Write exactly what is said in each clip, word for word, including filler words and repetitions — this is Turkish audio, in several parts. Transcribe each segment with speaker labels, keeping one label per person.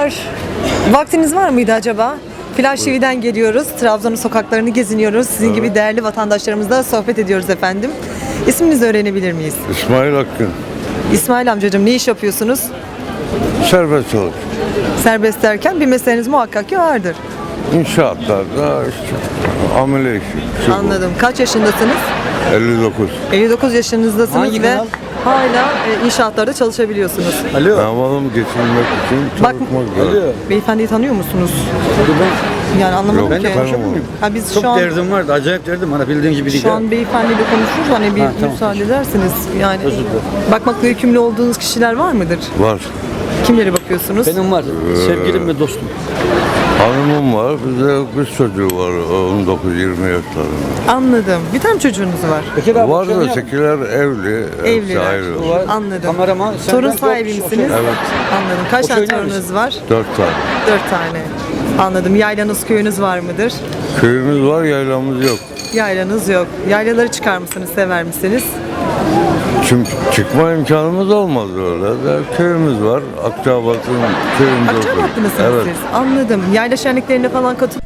Speaker 1: Merhabalar. Vaktiniz var mıydı acaba? Flash T V'den geliyoruz. Trabzon'un sokaklarını geziniyoruz. Sizin
Speaker 2: Evet.
Speaker 1: gibi değerli vatandaşlarımızla sohbet ediyoruz efendim. İsminizi öğrenebilir miyiz?
Speaker 2: İsmail Akgün.
Speaker 1: İsmail amcacığım, ne iş yapıyorsunuz?
Speaker 2: Serbest çalış.
Speaker 1: Serbest derken bir mesleğiniz muhakkak ki vardır.
Speaker 2: İnşaatlarda işte amele işi. şu bu.
Speaker 1: Anladım. Kaç yaşındasınız?
Speaker 2: elli dokuz.
Speaker 1: elli dokuz yaşınızdasınız
Speaker 3: Hangi
Speaker 1: ve
Speaker 3: kanal?
Speaker 1: hala e, inşaatlarda çalışabiliyorsunuz.
Speaker 3: Alo.
Speaker 2: Ne yapalım, geçinmek için
Speaker 1: Bak-
Speaker 2: çalışmak gerek.
Speaker 3: Alo.
Speaker 1: Beyefendiyi tanıyor musunuz?
Speaker 3: Ben,
Speaker 1: Yani anlamadım
Speaker 2: Yok,
Speaker 1: ki.
Speaker 2: ben de tanımıyorum.
Speaker 1: Ha, biz
Speaker 3: çok
Speaker 1: şu an
Speaker 3: derdim vardı. Acayip derdim. Bana bildiğin gibi değil.
Speaker 1: Şu an beyefendiyle konuşuruz, hani bir
Speaker 3: Ha, tamam.
Speaker 1: müsaade ederseniz. Yani
Speaker 3: Özür dilerim.
Speaker 1: bakmakla yükümlü olduğunuz kişiler var mıdır?
Speaker 2: Var.
Speaker 1: Kimlere bakıyorsunuz?
Speaker 3: Benim var. Sevgilim ve dostum.
Speaker 2: Hanımım var. Bir de kız çocuğu var. on dokuz yirmi yaşlarında.
Speaker 1: Anladım. Bir tane çocuğunuz var.
Speaker 3: Bekir abi.
Speaker 2: Var
Speaker 3: şöyle
Speaker 2: da
Speaker 3: yap.
Speaker 2: sekiler evli. hepsi
Speaker 1: Evliler.
Speaker 2: ayrı.
Speaker 3: Bu var.
Speaker 1: Anladım.
Speaker 3: Kameraman. sen
Speaker 1: Torun
Speaker 3: ben
Speaker 1: sahibi
Speaker 3: dört kişi
Speaker 1: misiniz?
Speaker 3: oturuyoruz.
Speaker 2: Evet.
Speaker 1: Anladım. Kaç
Speaker 3: O
Speaker 1: tane
Speaker 3: köyün
Speaker 1: torununuz var?
Speaker 2: Dört tane.
Speaker 1: Dört tane. Anladım. Yaylanız, köyünüz var mıdır?
Speaker 2: Köyümüz var, yaylamız yok.
Speaker 1: Yaylanız yok. Yaylaları çıkar mısınız, sever misiniz?
Speaker 2: Çünkü çıkma imkanımız olmaz öyle. De, köyümüz var. Akçabat'ın köyünde
Speaker 1: Akçabatlı
Speaker 2: oturuyoruz.
Speaker 1: mısınız
Speaker 2: Evet.
Speaker 1: siz? Anladım. Yayla şenliklerine falan katılıyor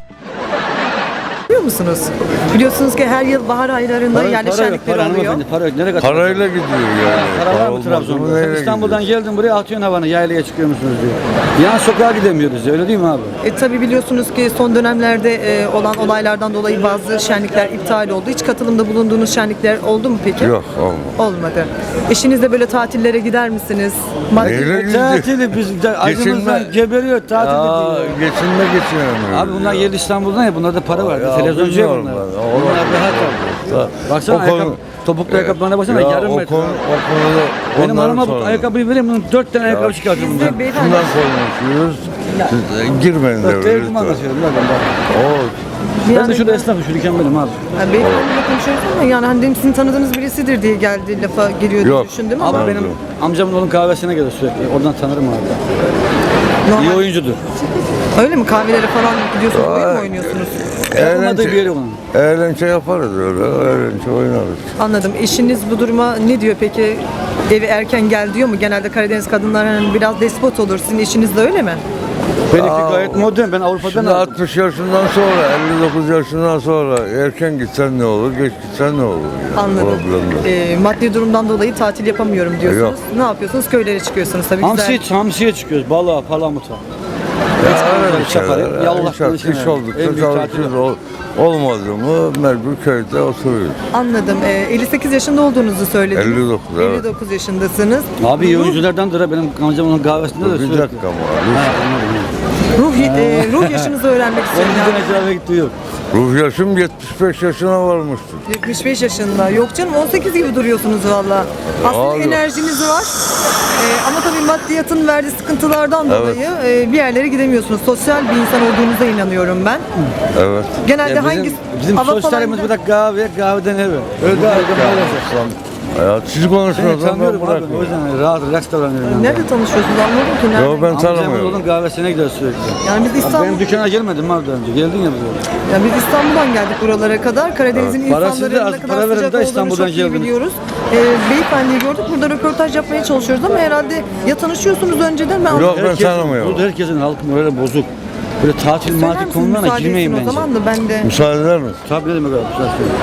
Speaker 1: musunuz? Biliyorsunuz ki her yıl bahar aylarında
Speaker 3: Para,
Speaker 1: yayla
Speaker 3: para yok.
Speaker 1: şenlikleri
Speaker 3: Para
Speaker 1: oluyor.
Speaker 3: hanımefendi. Para yok. Nereye kaçırdın?
Speaker 2: Parayla gidiyor yani.
Speaker 3: Para var mı
Speaker 2: olmaz
Speaker 3: Trabzon'da?
Speaker 2: neyle
Speaker 3: Sen İstanbul'dan
Speaker 2: gidiyor?
Speaker 3: geldin buraya atıyorsun havanı. Yaylaya çıkıyor musunuz diyor. Yan sokağa gidemiyoruz. Öyle değil mi abi?
Speaker 1: E, tabii biliyorsunuz ki son dönemlerde e, olan olaylardan dolayı bazı şenlikler iptal oldu. Hiç katılımda bulunduğunuz şenlikler oldu mu peki?
Speaker 2: Yok, olmaz.
Speaker 1: Olmadı. Eşinizle böyle tatillere gider misiniz? Maddi-
Speaker 2: Neyle
Speaker 3: E,
Speaker 2: gidiyor?
Speaker 3: tatili biz de acımızdan
Speaker 2: Geçinme-
Speaker 3: geberiyor tatil
Speaker 2: Aa,
Speaker 3: diyor.
Speaker 2: geçinme geçinemiyor.
Speaker 3: Abi bunlar yerli İstanbul'dan ya bunlarda para var.
Speaker 2: Ya,
Speaker 3: Televizyoncu ya
Speaker 2: bilmiyorum
Speaker 3: bunlar.
Speaker 2: ben.
Speaker 3: Bunlar rahat abi. Baksana
Speaker 2: O
Speaker 3: ayakkabı,
Speaker 2: konu-
Speaker 3: topuklu ayakkabılarına baksana
Speaker 2: Ya,
Speaker 3: yarım
Speaker 2: o
Speaker 3: metre.
Speaker 2: konu,
Speaker 3: abi.
Speaker 2: o konuda
Speaker 3: Benim
Speaker 2: onların
Speaker 3: hanıma bu
Speaker 2: sorunu.
Speaker 3: ayakkabıyı vereyim bunun dört tane ayakkabı çıkartır bundan.
Speaker 1: Siz de beyefendi,
Speaker 2: Şundan konuşuyoruz. Siz e, girmeyin de
Speaker 3: Bak
Speaker 2: öyle
Speaker 3: devrim
Speaker 2: lütfen.
Speaker 3: anlatıyorum lan ben.
Speaker 2: O
Speaker 3: Ben
Speaker 1: yani-
Speaker 3: de şurada esnafım, şurada benim abi.
Speaker 1: yani beyefendiyle konuşuyoruz ama yani hani dedim sizin tanıdığınız birisidir diye geldi, lafa geliyor diye
Speaker 2: Yok.
Speaker 1: düşündüm
Speaker 3: Abi
Speaker 1: ama
Speaker 2: Pardon.
Speaker 3: benim amcamın oğlum kahvesine gelir sürekli. Oradan tanırım abi. İyi
Speaker 1: normal.
Speaker 3: oyuncudur.
Speaker 1: Öyle mi? Kahvelere falan gidiyorsunuz, oyun mu oynuyorsunuz?
Speaker 3: Yapılmadığı bir yeri onun.
Speaker 2: eğlence yaparız öyle. Eğlence oynarız.
Speaker 1: Anladım. Eşiniz bu duruma ne diyor peki? Evi erken gel diyor mu? Genelde Karadeniz kadınlar hani biraz despot olur. Sizin eşiniz de öyle mi?
Speaker 3: Benimki gayet modern. Ben Avrupa'dan
Speaker 2: Şimdi
Speaker 3: aldım.
Speaker 2: altmış yaşından sonra, elli dokuz yaşından sonra erken gitsen ne olur, geç gitsen ne olur? Yani.
Speaker 1: Anladım.
Speaker 2: Problem yok.
Speaker 1: Ee, maddi durumdan dolayı tatil yapamıyorum diyorsunuz.
Speaker 2: Yok.
Speaker 1: Ne yapıyorsunuz? Köylere çıkıyorsunuz tabii.
Speaker 3: Hamsiye,
Speaker 1: Güzel.
Speaker 3: hamsiye çıkıyoruz. Balığa, palamuta.
Speaker 2: Ya öyle bir
Speaker 3: Çakarı,
Speaker 2: şeyler.
Speaker 3: yallah
Speaker 2: İş,
Speaker 3: konuşuyor
Speaker 2: iş
Speaker 3: yani.
Speaker 2: oldukça
Speaker 3: En büyük tatil
Speaker 2: çalışıyoruz.
Speaker 3: o.
Speaker 2: Ol, olmadı mı mecbur köyde oturuyoruz.
Speaker 1: Anladım. Ee, elli sekiz yaşında olduğunuzu söylediniz.
Speaker 2: elli dokuz, evet.
Speaker 1: elli dokuz yaşındasınız.
Speaker 3: Abi iyi
Speaker 1: Ruh-
Speaker 3: oyunculardandır ha. Benim amcamın onun kahvesinde de
Speaker 2: Bir
Speaker 3: sürekli.
Speaker 2: dakika ama.
Speaker 3: Ha, anladım.
Speaker 1: Ruh, e, ruh yaşınızı öğrenmek
Speaker 3: Ben
Speaker 1: istiyorum.
Speaker 3: bir
Speaker 1: Yani.
Speaker 3: tane cevap gitti yok.
Speaker 2: Ruh yaşım yetmiş beş yaşına varmıştır.
Speaker 1: yetmiş beş yaşında. Yok canım, on sekiz gibi duruyorsunuz valla. Aslında
Speaker 2: Abi.
Speaker 1: enerjiniz var. Ee, ama tabii maddiyatın verdiği sıkıntılardan
Speaker 2: Evet.
Speaker 1: dolayı e, bir yerlere gidemiyorsunuz. Sosyal bir insan olduğunuza inanıyorum ben.
Speaker 2: Evet.
Speaker 1: Genelde
Speaker 3: Ya
Speaker 1: hangi
Speaker 3: bizim, bizim
Speaker 1: hava
Speaker 3: sosyalimiz
Speaker 1: falan-
Speaker 3: burada kahve, kahveden eve. Öyle kahveden eve.
Speaker 2: Ya siz
Speaker 3: Seni
Speaker 2: konuşmuyorsanız ben
Speaker 3: tanıyorum abi. O
Speaker 2: bırakıyorum.
Speaker 3: yüzden rahat, relax davranıyorum. ben.
Speaker 1: Nerede tanışıyorsunuz anlamadım ki. Nerede?
Speaker 2: Yo, ben
Speaker 3: Amcamın
Speaker 2: tanımıyorum.
Speaker 3: oğlun kahvesine gider sürekli.
Speaker 1: Yani biz
Speaker 3: Abi
Speaker 1: İstanbul,
Speaker 3: benim dükkana gelmedin mi abi daha önce? Geldin ya buraya.
Speaker 1: yani biz İstanbul'dan geldik buralara kadar. Karadeniz'in
Speaker 3: Evet. Parasız da
Speaker 1: insanların
Speaker 3: az
Speaker 1: ne
Speaker 3: para
Speaker 1: kadar
Speaker 3: verin
Speaker 1: sıcak
Speaker 3: de
Speaker 1: olduğunu
Speaker 3: İstanbul'dan
Speaker 1: çok iyi
Speaker 3: geldiniz.
Speaker 1: biliyoruz. Ee, beyefendiyi gördük. Burada röportaj yapmaya çalışıyoruz ama herhalde ya tanışıyorsunuz önceden ben
Speaker 2: Yok, ben
Speaker 3: Herkesin-
Speaker 2: tanımıyorum.
Speaker 3: Burada herkesin halkı böyle bozuk. Böyle tatil
Speaker 1: Söyler
Speaker 3: matil
Speaker 1: misiniz?
Speaker 3: konularına
Speaker 1: Müsaade
Speaker 3: girmeyin
Speaker 1: etsin
Speaker 3: bence.
Speaker 1: o zaman da ben de.
Speaker 2: Müsaade eder misin?
Speaker 3: Tabii ne demek abi? Güzel söylüyor.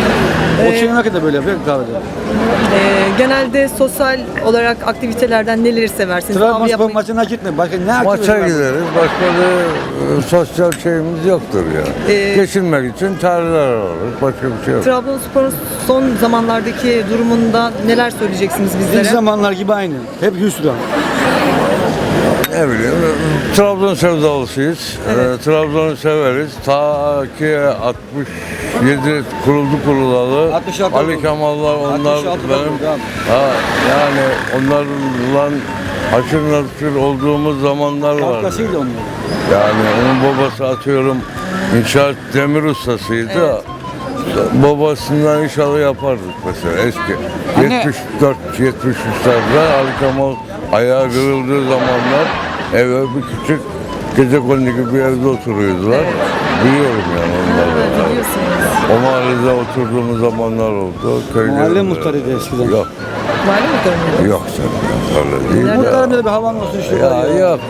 Speaker 3: O şey ne kadar böyle yapıyor kahvede.
Speaker 1: Ee, genelde sosyal olarak aktivitelerden neleri seversiniz? Av
Speaker 3: Trabzonspor
Speaker 1: yapmayı-
Speaker 3: maçına gitme. Başka ne
Speaker 2: Maça
Speaker 3: aktivite var?
Speaker 2: gideriz. Başka bir e, sosyal şeyimiz yoktur ya.
Speaker 1: Ee,
Speaker 2: Geçinmek için tarihler alırız. Başka bir şey yok.
Speaker 1: Trabzonspor'un son zamanlardaki durumunda neler söyleyeceksiniz
Speaker 3: İlk
Speaker 1: bizlere?
Speaker 3: zamanlar gibi aynı. Hep hüsran.
Speaker 2: Ne bileyim, Trabzon sevdalısıyız.
Speaker 1: Evet.
Speaker 2: Ee, Trabzon'u severiz. Ta ki altmış yedi kuruldu kurulalı.
Speaker 3: altmış altı
Speaker 2: Ali
Speaker 3: oldu.
Speaker 2: Kemal'lar onlar
Speaker 3: altmış altı
Speaker 2: benim.
Speaker 3: oldu abi.
Speaker 2: Ha, yani onlarla haşır neşir olduğumuz zamanlar vardı.
Speaker 3: Kavgasıydı onlar.
Speaker 2: Yani onun babası atıyorum inşaat demir ustasıydı. Babasından inşallah yapardık mesela eski.
Speaker 3: Anne-
Speaker 2: yetmiş dört yetmiş üçlerde Ali Kemal ayağı kırıldığı zamanlar eve bir küçük gecekondu gibi bir evde oturuyordular. Biliyorum yani onları.
Speaker 1: Evet, biliyorsunuz.
Speaker 2: O mahallede oturduğumuz zamanlar oldu. Köyde
Speaker 3: Mahalle muhtarıydı eskiden.
Speaker 2: Yok,
Speaker 1: Mahalle muhtarı mıydı?
Speaker 2: yok sen ya, öyle değil
Speaker 1: Nerede?
Speaker 2: ya.
Speaker 3: Muhtarın da bir havan olsun işte.
Speaker 2: Ya
Speaker 3: var
Speaker 2: yok.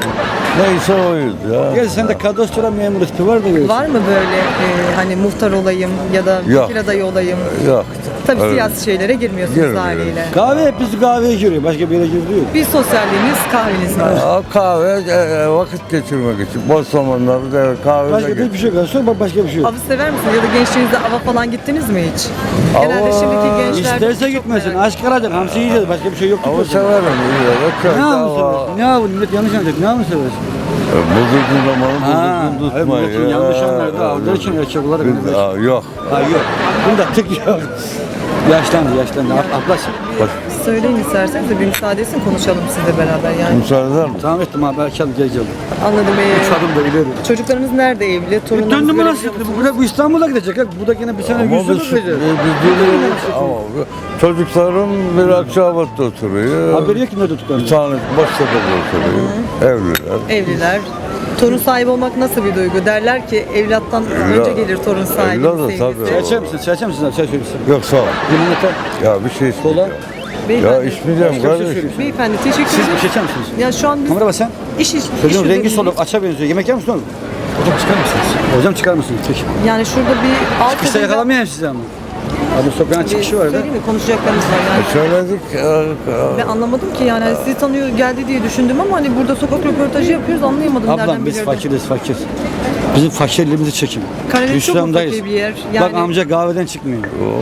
Speaker 2: Neyse oyuz ya.
Speaker 3: Gerçi sende kadastro memuru tipi var da görüyorsun.
Speaker 1: Var mı böyle e, hani muhtar olayım ya da
Speaker 2: Yok.
Speaker 1: vekil adayı olayım?
Speaker 2: Yok.
Speaker 1: Tabii
Speaker 2: Öyle.
Speaker 1: siyasi şeylere girmiyorsunuz
Speaker 2: Girmiyoruz.
Speaker 1: haliyle.
Speaker 3: Kahve hep biz kahveye giriyor. Başka bir yere girdiği yok.
Speaker 1: Bir sosyalliğiniz, kahveniz var.
Speaker 2: Aa, kahve e, e, vakit geçirmek için. Boş zamanlarda kahve
Speaker 3: Başka
Speaker 2: de
Speaker 3: bir şey yok. Sonra başka bir şey yok.
Speaker 1: Avı sever misiniz? Ya da gençliğinizde ava falan gittiniz mi hiç? Genelde
Speaker 2: Ava-
Speaker 1: şimdiki gençler
Speaker 3: İsterse
Speaker 1: çok
Speaker 3: gitmesin.
Speaker 1: merak-
Speaker 3: Aşk arayacaksın. Hamsi yiyeceğiz. Başka bir şey yok.
Speaker 2: Ama
Speaker 3: gitmesin.
Speaker 2: severim. iyi ya. Köyde
Speaker 3: Ne avı
Speaker 2: hava-
Speaker 3: seversin? Ne avı? Millet yanlış anlayacak. Ne avı seversin?
Speaker 2: E, Buzurgun zamanı
Speaker 3: Ha,
Speaker 2: buzurgun
Speaker 3: hayır,
Speaker 2: tutmayı.
Speaker 3: milletin yanlış anlarda avlar için erkek olarak.
Speaker 2: Biz- Aa, yok.
Speaker 3: Ha yok. Bunda tık yok. Yaşlandı yaşlandı. Ab- Ablası.
Speaker 2: Bak,
Speaker 1: Söyleyin isterseniz de bir müsaade etsin konuşalım sizle beraber yani.
Speaker 2: müsaade eder misin?
Speaker 3: Tamam ettim abi. Açalım geleceğim.
Speaker 1: Anladım.
Speaker 3: Üç
Speaker 1: Ee,
Speaker 3: adım da ileri.
Speaker 1: çocuklarınız nerede evli? Torunlarınız
Speaker 3: Döndüm mü
Speaker 1: görebiliyor
Speaker 3: nasıl?
Speaker 1: musunuz?
Speaker 3: Bu, bu İstanbul'a gidecek. ha. Bu da yine bir sene
Speaker 2: Ama
Speaker 3: yüz
Speaker 2: biz,
Speaker 3: yıl
Speaker 2: biz,
Speaker 3: gidecek.
Speaker 2: biz- ama çocuklarım bir Akçabat'ta oturuyor.
Speaker 3: Haberi yok ki nerede tutuklandı.
Speaker 2: Bir tane Baştepe'de oturuyor. Evliler.
Speaker 1: Evliler. Torun sahibi olmak nasıl bir duygu? Derler ki evlattan önce gelir torun sahibi
Speaker 2: evlat da
Speaker 1: sevgisi.
Speaker 2: tabii.
Speaker 3: Çay içer misin? Çay içer misin abi? Çay söyleyeyim.
Speaker 2: Yok sağ ol.
Speaker 3: Limonata.
Speaker 2: Ya bir şey
Speaker 3: Kola.
Speaker 2: isteyeceğim. Ya
Speaker 1: Beyefendi,
Speaker 2: içmeyeceğim
Speaker 3: Başka bir şey
Speaker 2: kardeşim.
Speaker 3: söyleyeyim.
Speaker 1: beyefendi teşekkür
Speaker 3: Siz bir
Speaker 1: ederim.
Speaker 3: şey içer misiniz?
Speaker 1: Ya şu an biz
Speaker 3: Kamera bak sen.
Speaker 1: iş iş.
Speaker 3: Çocuğun
Speaker 1: iş
Speaker 3: rengi
Speaker 1: üzerindeyiz.
Speaker 3: soluk. Aça benziyor. Yemek yer misin oğlum? Hocam çıkar mısınız? Hocam çıkar mısınız? Peki.
Speaker 1: Yani şurada bir alt
Speaker 3: Kısa yakalamayayım sizi ama. Abi sokağın çıkışı var da.
Speaker 1: Söyleyeyim mi? Konuşacaklarımız var yani.
Speaker 2: Söyledik. e,
Speaker 1: Ben anlamadım ki yani hani sizi tanıyor geldi diye düşündüm ama hani burada sokak röportajı yapıyoruz anlayamadım nereden
Speaker 3: Ablam biz
Speaker 1: bilirdim.
Speaker 3: fakiriz fakir. Bizim fakirliğimizi çekin.
Speaker 1: Karadeniz çok mu
Speaker 3: Hüsramdayız.
Speaker 1: fakir bir yer?
Speaker 3: Bak
Speaker 1: Yani-
Speaker 3: amca kahveden çıkmıyor.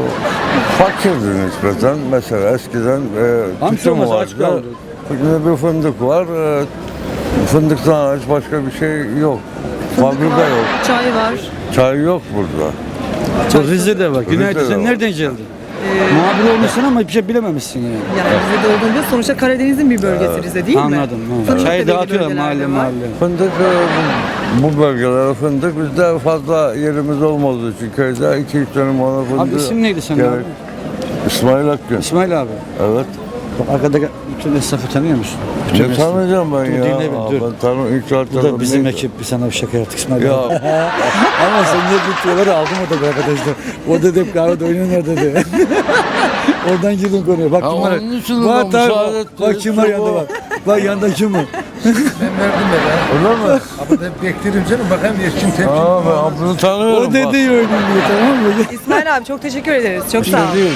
Speaker 2: Fakirdi nispeten. Mesela eskiden e,
Speaker 3: Amca
Speaker 2: tütün
Speaker 3: olmasa aç
Speaker 2: vardı.
Speaker 3: kaldı.
Speaker 2: Şimdi bir fındık var. E, fındıktan hariç başka bir şey yok.
Speaker 1: Fındık
Speaker 2: Fabrika
Speaker 1: var,
Speaker 2: yok.
Speaker 1: çay var.
Speaker 2: Çay yok burada.
Speaker 3: Bu Rize'de var. Günaydın
Speaker 2: Rize'de
Speaker 3: sen
Speaker 2: var.
Speaker 3: nereden geldin? Muhabir olmuşsun ama bir şey bilememişsin yani.
Speaker 1: Yani Rize'de olduğunda sonuçta Karadeniz'in bir bölgesi Rize değil mi?
Speaker 3: Anladım. evet.
Speaker 1: Fındık da
Speaker 3: Çayı
Speaker 1: belli
Speaker 3: dağıtıyorlar
Speaker 1: bölgelerde
Speaker 3: mahalle
Speaker 1: var.
Speaker 3: mahalle.
Speaker 2: Fındık e, bu bölgelere fındık bizde fazla yerimiz olmadığı için köyde iki üç tane bana fındık.
Speaker 3: Abi isim neydi senin
Speaker 2: gerek-
Speaker 3: abi?
Speaker 2: İsmail Akgün.
Speaker 3: İsmail abi.
Speaker 2: Evet.
Speaker 3: Bak arkadaki bütün esnafı tanıyor musun? Bütün
Speaker 2: Ne
Speaker 3: esnafı.
Speaker 2: tanıyacağım ben
Speaker 3: Dur,
Speaker 2: ya?
Speaker 3: dinle beni,
Speaker 2: Aa,
Speaker 3: dur.
Speaker 2: Ben tanım ilk saat
Speaker 3: Bu da bizim ekip. Bir sana bir şaka yaptık İsmail
Speaker 2: Ya
Speaker 3: abi. Ama sen niye bütçeleri aldım o da arkadaşlar. O da hep kahvede oynuyorlar dedi. Oradan girdim konuya. Bak
Speaker 2: Ha,
Speaker 3: kim var.
Speaker 2: onun için
Speaker 3: Bak
Speaker 2: ben
Speaker 3: tabii,
Speaker 2: müsaade
Speaker 3: bak,
Speaker 2: ettim.
Speaker 3: bak kim var yanında bak. Bak yanında kim var.
Speaker 4: Ben verdim de ben.
Speaker 2: öyle mi?
Speaker 4: Ama da beklerim canım. Bakayım Erkin tepki.
Speaker 2: Aa ben bunu tanıyorum.
Speaker 3: O
Speaker 2: bak.
Speaker 3: dedi oynuyor tamam mı?
Speaker 1: İsmail abi çok teşekkür ederiz. Çok sağ olun.
Speaker 3: Değil.